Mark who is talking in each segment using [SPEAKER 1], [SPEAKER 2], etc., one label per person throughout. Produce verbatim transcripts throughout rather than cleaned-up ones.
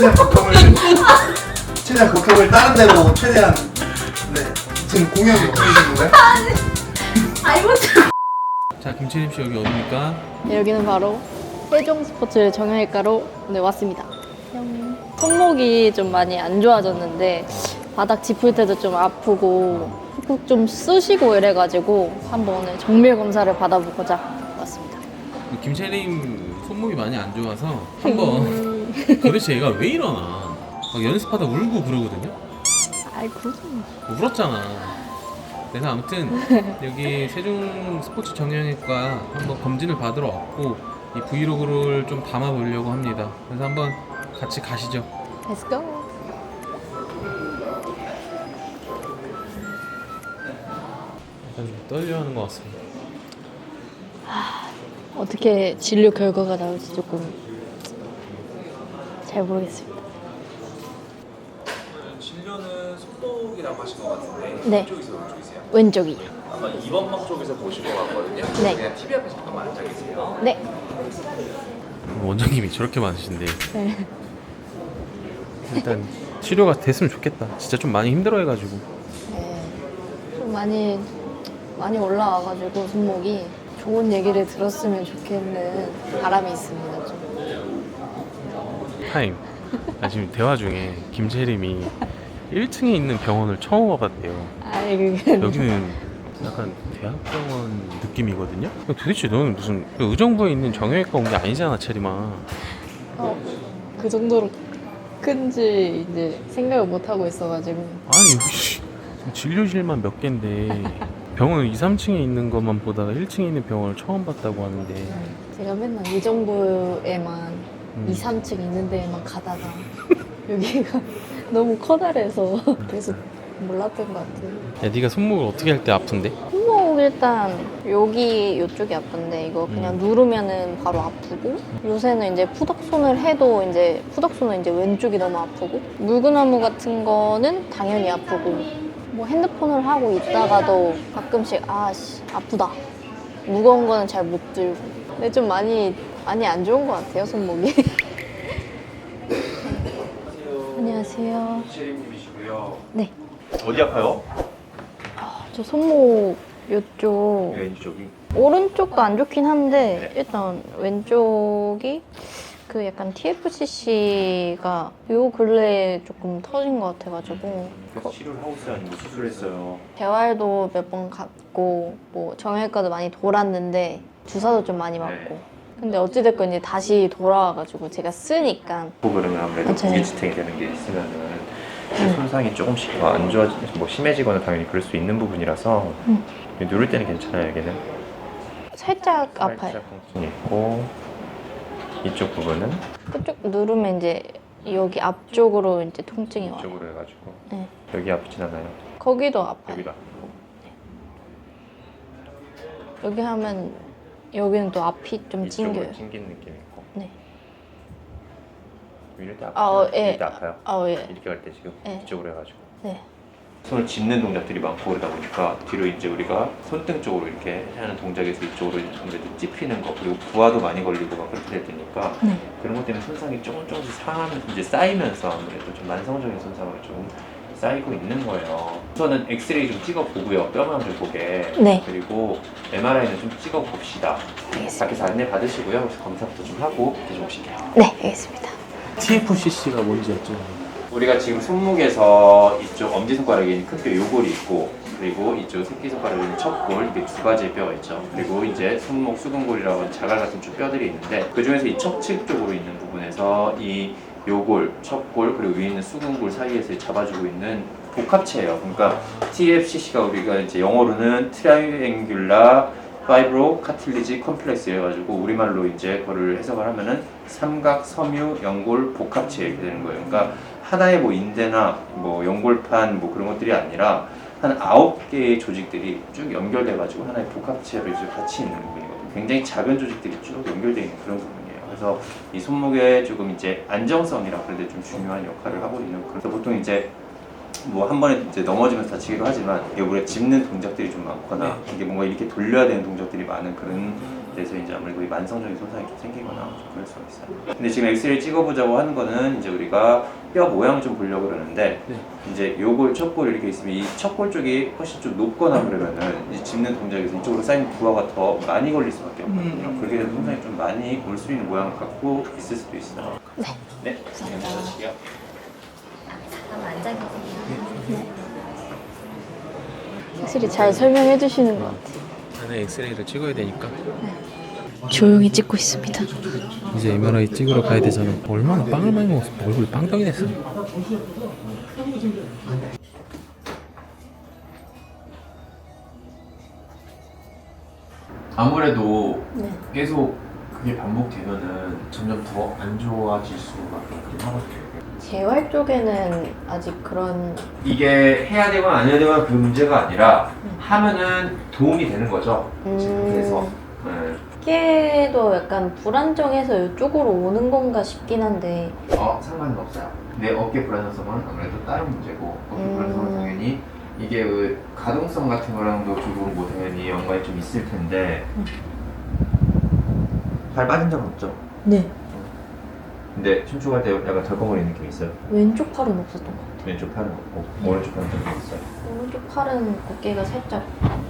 [SPEAKER 1] 최대한 걱정을 최대한 걱정을 다른 데로 최대한. 네. 지금 공연 중이신 건가요?
[SPEAKER 2] 아이고.
[SPEAKER 3] 자, 김채림 씨 여기 어디입니까?
[SPEAKER 2] 네, 여기는 바로 세종 스포츠 정형외과로 오늘 왔습니다. 뿅. 손목이 좀 많이 안 좋아졌는데 바닥 짚을 때도 좀 아프고 푹푹 좀 쑤시고 이래가지고 한번 오늘 정밀 검사를 받아보고자 왔습니다.
[SPEAKER 3] 김채림 손목이 많이 안 좋아서 한번 도대체 얘가 왜 이러나 막 연습하다 울고 그러거든요.
[SPEAKER 2] 아이고.
[SPEAKER 3] 울었잖아. 그래서 아무튼 여기 세종 스포츠 정형외과 한번 검진을 받으러 왔고 이 브이로그를 좀 담아보려고 합니다. 그래서 한번 같이 가시죠.
[SPEAKER 2] Let's go.
[SPEAKER 3] 약간 좀 떨려하는 것 같습니다.
[SPEAKER 2] 어떻게 진료 결과가 나올지 조금 잘 모르겠습니다.
[SPEAKER 4] 진료는 손목이라고 하신 것 같은데
[SPEAKER 2] 네.
[SPEAKER 4] 왼쪽이세요, 오른쪽이세요?
[SPEAKER 2] 왼쪽이요.
[SPEAKER 4] 아마 이 번 막 쪽에서 보실 것 같거든요.
[SPEAKER 2] 네.
[SPEAKER 4] 그냥 티비 앞에 잠깐만 앉아 계세요.
[SPEAKER 2] 네.
[SPEAKER 3] 원장님이 저렇게 많으신데
[SPEAKER 2] 네.
[SPEAKER 3] 일단 치료가 됐으면 좋겠다. 진짜 좀 많이 힘들어해가지고.
[SPEAKER 2] 네. 좀 많이 많이 올라와가지고 손목이 좋은 얘기를 들었으면 좋겠는 바람이 있습니다. 좀.
[SPEAKER 3] 타임. 아, 지금 대화 중에 김채림이 일 층에 있는 병원을 처음 와봤대요.
[SPEAKER 2] 아이 그게
[SPEAKER 3] 여기는 약간 대학병원 느낌이거든요. 도대체 너는 무슨 의정부에 있는 정형외과 온 게 아니잖아, 채림아.
[SPEAKER 2] 어, 그 정도로 큰지 이제 생각을 못 하고 있어가지고.
[SPEAKER 3] 아니 여기 씨, 지금 진료실만 몇 개인데 병원 이, 삼 층에 있는 것만 보다가 일 층에 있는 병원을 처음 봤다고 하는데
[SPEAKER 2] 제가 맨날 의정부에만
[SPEAKER 3] 음.
[SPEAKER 2] 이, 삼 층 있는 데에만 가다가 여기가 너무 커다래서 계속 몰랐던 것 같아요.
[SPEAKER 3] 야, 네가 손목을 어떻게 할 때 아픈데?
[SPEAKER 2] 손목 일단 여기 이쪽이 아픈데 이거 그냥
[SPEAKER 3] 음.
[SPEAKER 2] 누르면은 바로 아프고 요새는 이제 푸덕손을 해도 이제 푸덕손은 이제 왼쪽이 너무 아프고 물구나무 같은 거는 당연히 아프고 뭐 핸드폰을 하고 있다가도 가끔씩 아씨 아프다 무거운 거는 잘 못 들고 근데 좀 많이 많이 안 좋은 것 같아요 손목이. 안녕하세요.
[SPEAKER 4] 채림님이시고요.
[SPEAKER 2] 네.
[SPEAKER 4] 어디 아파요?
[SPEAKER 2] 저 손목 이쪽
[SPEAKER 4] 왼쪽이.
[SPEAKER 2] 오른쪽도 안 좋긴 한데
[SPEAKER 4] 네.
[SPEAKER 2] 일단 왼쪽이 그 약간 티에프씨씨가 요 근래에 조금 터진 것 같아가지고
[SPEAKER 4] 그래서 치료를 하고 있어요, 아니면 수술했어요?
[SPEAKER 2] 재활도 몇 번 갔고 뭐 정형외과도 많이 돌았는데 주사도 좀 많이 맞고
[SPEAKER 4] 네.
[SPEAKER 2] 근데 어찌됐건 이제 다시 돌아와가지고 제가 쓰니까
[SPEAKER 4] 고 그러면 아무래도
[SPEAKER 2] 맞아요.
[SPEAKER 4] 무기지탱이 되는 게 있으면은 손상이 조금씩 뭐 안 좋아지, 뭐 심해지거나 당연히 그럴 수 있는 부분이라서
[SPEAKER 2] 음.
[SPEAKER 4] 누를 때는 괜찮아요, 여기는.
[SPEAKER 2] 살짝 아파요.
[SPEAKER 4] 살짝 통증이 있고 이쪽 부분은
[SPEAKER 2] 그쪽 누르면 이제 여기 앞쪽으로 이제 통증이 와요.
[SPEAKER 4] 이쪽으로 해가지고
[SPEAKER 2] 네.
[SPEAKER 4] 여기 아프진 않아요.
[SPEAKER 2] 거기도 아파요.
[SPEAKER 4] 여기도 아프고.
[SPEAKER 2] 여기 하면 여기는 또 앞이 좀
[SPEAKER 4] 이쪽으로
[SPEAKER 2] 찡겨요.
[SPEAKER 4] 찡긴 느낌이 있고.
[SPEAKER 2] 네.
[SPEAKER 4] 이럴 때 아파요.
[SPEAKER 2] 아, 어, 예.
[SPEAKER 4] 이럴 때 아파요.
[SPEAKER 2] 아, 어, 예.
[SPEAKER 4] 이렇게 갈 때 지금
[SPEAKER 2] 예.
[SPEAKER 4] 이쪽으로 해가지고.
[SPEAKER 2] 네.
[SPEAKER 4] 손을 짚는 동작들이 많고 그러다 보니까 뒤로 이제 우리가 손등 쪽으로 이렇게 하는 동작에서 이쪽으로 아무래도 찝히는 거 그리고 부하도 많이 걸리고 막 그렇게 될 테니까
[SPEAKER 2] 네.
[SPEAKER 4] 그런 것 때문에 손상이 조금 조금씩 상하면서 이제 쌓이면서 아무래도 좀 만성적인 손상으로 좀 쌓이고 있는 거예요. 우선은 엑스레이 좀 찍어 보고요, 뼈만을 보게.
[SPEAKER 2] 네.
[SPEAKER 4] 그리고 엠알아이는 좀 찍어 봅시다.
[SPEAKER 2] 알겠습니다.
[SPEAKER 4] 밖에서 안내 받으시고요. 그래서 검사부터 좀 하고 계속 오실게요.
[SPEAKER 2] 네, 알겠습니다.
[SPEAKER 3] 티에프씨씨가 뭔지 여쭤요.
[SPEAKER 4] 우리가 지금 손목에서 이쪽 엄지손가락에 있는 큰 뼈 요골이 있고 그리고 이쪽 새끼손가락에 있는 척골 이게 두 가지의 뼈가 있죠. 그리고 이제 손목 수근골이라고 하는 자갈 같은 쭉 뼈들이 있는데 그 중에서 이 척측 쪽으로 있는 부분에서 이 요골, 척골 그리고 위에 있는 수근골 사이에서 잡아주고 있는 복합체예요. 그러니까 티에프씨씨가 우리가 이제 영어로는 트라이앵귤라 파이브로 카틸리지 컴플렉스 이래가지고 우리말로 이제 그거를 해석을 하면은 삼각 섬유 연골 복합체 이렇게 되는 거예요. 그러니까 하나의 뭐 인대나 뭐 연골판 뭐 그런 것들이 아니라 한 아홉 개의 조직들이 쭉 연결돼가지고 하나의 복합체로 이제 같이 있는 부분이거든요. 굉장히 작은 조직들이 쭉 연결되어 있는 그런 부분이에요. 그래서 이 손목에 조금 이제 안정성이라 그런데 좀 중요한 역할을 하고 있는 그래서 보통 이제 뭐 한 번에 이제 넘어지면서 다치기도 하지만 이게 우리가 짚는 동작들이 좀 많거나 이게 뭔가 이렇게 돌려야 되는 동작들이 많은 그런 돼서 이제 아무래도 이 만성적인 손상이 좀 생기거나 좀 그럴 수가 있어요. 근데 지금 엑스레이 찍어보자고 하는 거는 이제 우리가 뼈 모양을 좀 보려고 그러는데
[SPEAKER 3] 네.
[SPEAKER 4] 이제 요골, 척골 이렇게 있으면 이 척골 쪽이 훨씬 좀 높거나 그러면은 이 짚는 동작에서 이쪽으로 쌓인 부하가 더 많이 걸릴 수밖에 없거든요.
[SPEAKER 1] 음.
[SPEAKER 4] 그렇게 되면 손상이 좀 많이 올 수 있는 모양을 갖고 있을 수도 있어요.
[SPEAKER 2] 네.
[SPEAKER 4] 네,
[SPEAKER 2] 감사합니다.
[SPEAKER 4] 감사합니다.
[SPEAKER 2] 한번 앉아 계세요. 네. 확실히 잘 설명해 주시는 것 같아요.
[SPEAKER 3] 안에 엑스레이를 찍어야 되니까
[SPEAKER 2] 조용히 찍고 있습니다.
[SPEAKER 3] 이제 엠알아이 찍으러 가야 되잖아. 얼마나 빵을 많이 먹었어. 얼굴이 빵떡이 됐어.
[SPEAKER 4] 아무래도
[SPEAKER 2] 네.
[SPEAKER 4] 계속 그게 반복되면은 점점 더 안 좋아질 수밖에 없긴 하거든요.
[SPEAKER 2] 재활 쪽에는 아직 그런
[SPEAKER 4] 이게 해야 되거나 안 해야 되거나 그 문제가 아니라 하면은 도움이 되는 거죠.
[SPEAKER 2] 음,
[SPEAKER 4] 그래서 네.
[SPEAKER 2] 어깨도 약간 불안정해서 이쪽으로 오는 건가 싶긴 한데
[SPEAKER 4] 어 상관은 없어요. 내 어깨 불안정성은 아무래도 다른 문제고 어깨
[SPEAKER 2] 음.
[SPEAKER 4] 불안정성은 당연히 이게 그 가동성 같은 거랑도 조금 뭐 당연히 연관이 좀 있을 텐데 발 빠진 적은 없죠?
[SPEAKER 2] 네.
[SPEAKER 4] 근데 춤추할 때 약간 덜컹거리는 느낌이 있어요.
[SPEAKER 2] 왼쪽 팔은 없었던 것 같아요.
[SPEAKER 4] 왼쪽 팔은 없고 오른쪽 팔은 좀 있어요.
[SPEAKER 2] 오른쪽 팔은 어깨가 살짝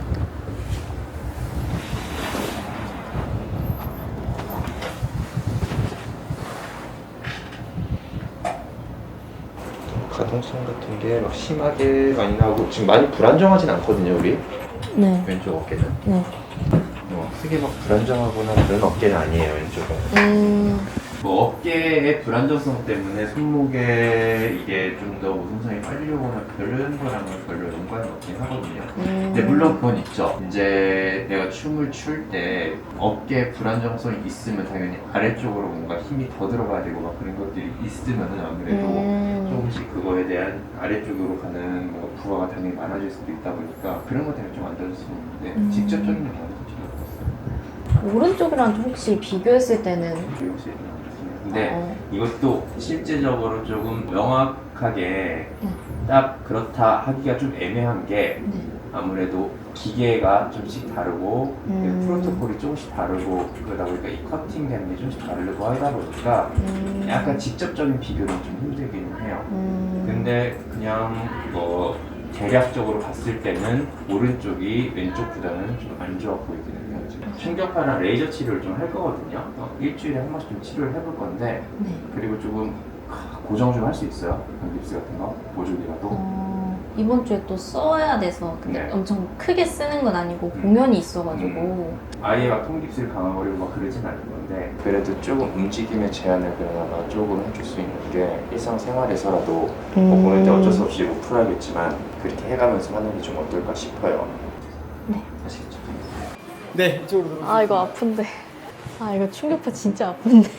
[SPEAKER 4] 가동성 같은 게 막 심하게 많이 나오고 지금 많이 불안정하진 않거든요 우리
[SPEAKER 2] 네.
[SPEAKER 4] 왼쪽 어깨는.
[SPEAKER 2] 네.
[SPEAKER 4] 뭐 크게 막 불안정하거나 그런 어깨는 아니에요 왼쪽은.
[SPEAKER 2] 음.
[SPEAKER 4] 뭐 어깨의 불안정성 때문에 손목에 이게 좀 더 우선성이 빨리 오거나 그런 거랑은 별로 연관이 없긴 하거든요.
[SPEAKER 2] 음.
[SPEAKER 4] 근데 물론 그건 있죠. 이제 내가 춤을 출 때 어깨 불안정성이 있으면 당연히 아래쪽으로 뭔가 힘이 더 들어가야 되고 막 그런 것들이 있으면은 아무래도
[SPEAKER 2] 음.
[SPEAKER 4] 조금씩 그거에 대한 아래쪽으로 가는 뭐 부하가 당연히 많아질 수도 있다 보니까 그런 것 때문에 좀 안 좋을 수 있는데
[SPEAKER 2] 음.
[SPEAKER 4] 직접적인 영향은 전혀 없었어요.
[SPEAKER 2] 오른쪽이랑 좀 혹시 비교했을 때는
[SPEAKER 4] 혹시 근데
[SPEAKER 2] 어.
[SPEAKER 4] 이것도 실제적으로 조금 명확하게
[SPEAKER 2] 네.
[SPEAKER 4] 딱 그렇다 하기가 좀 애매한 게
[SPEAKER 2] 네.
[SPEAKER 4] 아무래도 기계가 좀씩 다르고
[SPEAKER 2] 음.
[SPEAKER 4] 프로토콜이 조금씩 다르고 그러다 보니까 이 커팅되는 게 좀씩 다르고 하다 보니까
[SPEAKER 2] 음.
[SPEAKER 4] 약간 직접적인 비교는 좀 힘들기는 해요.
[SPEAKER 2] 음.
[SPEAKER 4] 근데 그냥 뭐 대략적으로 봤을 때는 오른쪽이 왼쪽보다는 좀 안 좋아 보이기는 해요. 지금 충격파나 레이저 치료를 좀 할 거거든요. 어, 일주일에 한 번씩 좀 치료를 해볼 건데
[SPEAKER 2] 네.
[SPEAKER 4] 그리고 조금 고정 좀 할 수 있어요. 깁스 같은 거 보조기라도.
[SPEAKER 2] 어, 이번 주에 또 써야 돼서 근데
[SPEAKER 4] 네.
[SPEAKER 2] 엄청 크게 쓰는 건 아니고
[SPEAKER 4] 음.
[SPEAKER 2] 공연이 있어가지고
[SPEAKER 4] 음. 아예 막 통깁스를 강화하려고 막 그러진 않은 건데 그래도 조금 움직임의 제한을 그나마 조금 해줄 수 있는 게 일상생활에서라도
[SPEAKER 2] 음.
[SPEAKER 4] 뭐 보낼 때 어쩔 수 없이 못 풀어야겠지만 그렇게 해가면서 하는 게 좀 어떨까 싶어요.
[SPEAKER 2] 네.
[SPEAKER 4] 아시겠죠?
[SPEAKER 1] 네, 이쪽으로 들어오세요.
[SPEAKER 2] 아 이거 아픈데 아 이거 충격파 진짜 아픈데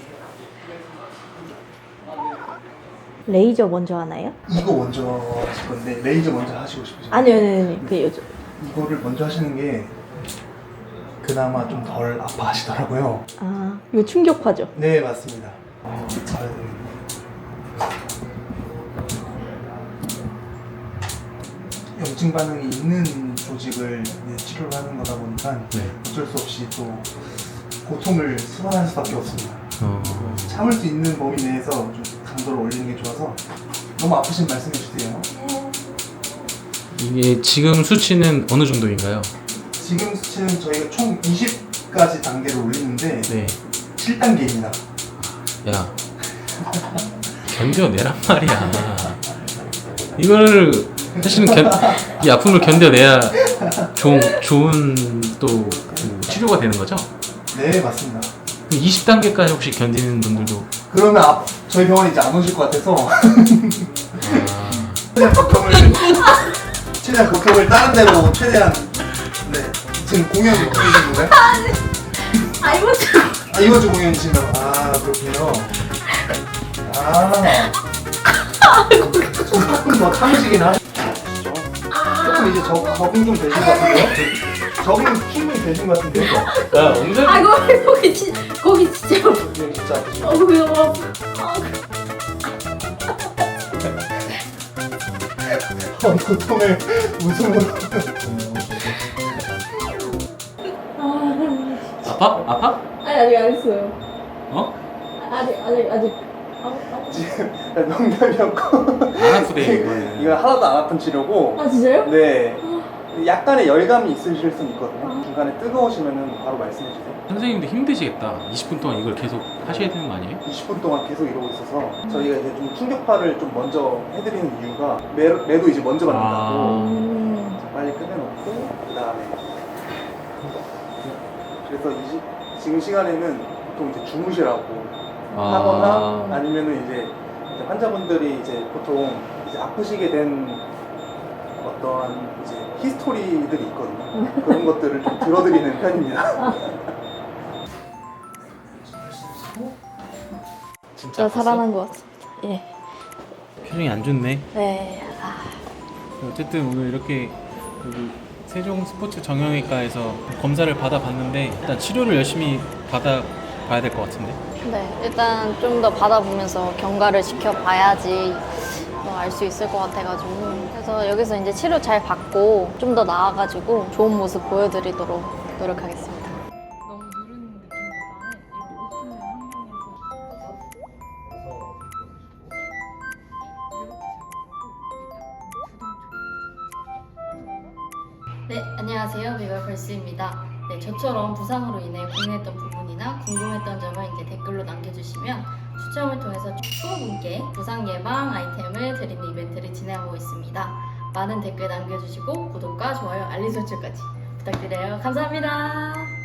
[SPEAKER 2] 레이저 먼저 하나요?
[SPEAKER 1] 이거 먼저 하실 건데 레이저 먼저 하시고 싶으세요?
[SPEAKER 2] 아니요 아니요 아니요. 그 요즘
[SPEAKER 1] 이거를 먼저 하시는 게 그나마 좀 덜 아파하시더라고요.
[SPEAKER 2] 아 이거 충격파죠?
[SPEAKER 1] 네, 맞습니다. 어, 잘해야 됩니다. 염증 반응이 있는 조직을 이제 치료를 하는 거다 보니까
[SPEAKER 3] 네.
[SPEAKER 1] 어쩔 수 없이 또 고통을 수반할 수밖에 없습니다.
[SPEAKER 3] 어...
[SPEAKER 1] 참을 수 있는 범위 내에서 좀 강도를 올리는 게 좋아서 너무 아프신 말씀해 주세요.
[SPEAKER 3] 이게 지금 수치는 어느 정도인가요?
[SPEAKER 1] 지금 수치는 저희가 총 이십 가지 단계를 올리는데
[SPEAKER 3] 네.
[SPEAKER 1] 칠 단계입니다.
[SPEAKER 3] 야 견뎌내란 말이야. 이걸 사실은 견, 이 아픔을 견뎌내야 좋은, 좋은 또 그 치료가 되는 거죠?
[SPEAKER 1] 네, 맞습니다.
[SPEAKER 3] 이십 단계까지 혹시 견디는 분들도
[SPEAKER 1] 그러면 앞, 저희 병원 이제 안 오실 것 같아서
[SPEAKER 3] 아,
[SPEAKER 1] 최대한 걱정을 최대한 걱정을 다른 데로 최대한 네 지금 공연 걱정이신 건가요?
[SPEAKER 2] 아 이번 주
[SPEAKER 1] 아 이번 주 공연이신가요? 아 그렇군요. 아 조금 더 참으시긴 하시죠. 조금 이제 적, 적응 좀 되신 것 같은데요? 적응 충분히 되신 것 같은데요?
[SPEAKER 3] 야 엉덩이
[SPEAKER 2] 아 이거 거기 진 거기 진짜
[SPEAKER 1] 지금 진짜 아프시죠?
[SPEAKER 2] 어 그거 너무 아파. 아,
[SPEAKER 1] 어, 고통을 웃음으로
[SPEAKER 3] 아파? 아파?
[SPEAKER 2] 아니 아직 안 했어요.
[SPEAKER 3] 어?
[SPEAKER 2] 아직 아직 아직.
[SPEAKER 1] 지금 농담이었고
[SPEAKER 3] 안 아프대 이거는.
[SPEAKER 1] 이건 하나도 안 아픈 치료고
[SPEAKER 2] 아 진짜요?
[SPEAKER 1] 네 약간의 열감이 있으실 수 있거든요. 중간에 뜨거우시면은 바로 말씀해 주세요.
[SPEAKER 3] 선생님도 힘드시겠다. 이십 분 동안 이걸 계속 하셔야 되는 거 아니에요?
[SPEAKER 1] 이십 분 동안 계속 이러고 있어서 저희가 이제 좀 충격파를 좀 먼저 해드리는 이유가 매, 매도 이제 먼저 받는다고
[SPEAKER 3] 아.
[SPEAKER 2] 음.
[SPEAKER 1] 빨리 끝내놓고 그 다음에 그래서 이 시, 지금 시간에는 보통 이제 주무시라고
[SPEAKER 3] 아.
[SPEAKER 1] 하거나 아니면은 이제 이제 환자분들이 이제 보통 이제 아프시게 된 어떠한 이제 히스토리들이 있거든요. 그런 것들을 좀 들어드리는 편입니다.
[SPEAKER 2] 진짜 살아난 것 같습니다. 예.
[SPEAKER 3] 표정이 안 좋네.
[SPEAKER 2] 네. 아.
[SPEAKER 3] 어쨌든 오늘 이렇게 여기 세종 스포츠 정형외과에서 검사를 받아봤는데 일단 치료를 열심히 받아봐야 될 것 같은데.
[SPEAKER 2] 네. 일단 좀 더 받아보면서 경과를 지켜봐야지 알 수 있을 것 같아가지고 그래서 여기서 이제 치료 잘 받고 좀 더 나아가지고 좋은 모습 보여드리도록 노력하겠습니다.
[SPEAKER 5] 너무 누르는 느낌보다는 이런 오픈을 환경에서 네, 안녕하세요. 비발펄스입니다. 네, 저처럼 부상으로 인해 고민했던 부분이나 궁금했던 점을 이제 댓글로 남겨주시면 추첨을 통해서 이십 분께 부상 예방 아이템을 드리는 이벤트를 진행하고 있습니다. 많은 댓글 남겨주시고 구독과 좋아요, 알림 설정까지 부탁드려요. 감사합니다.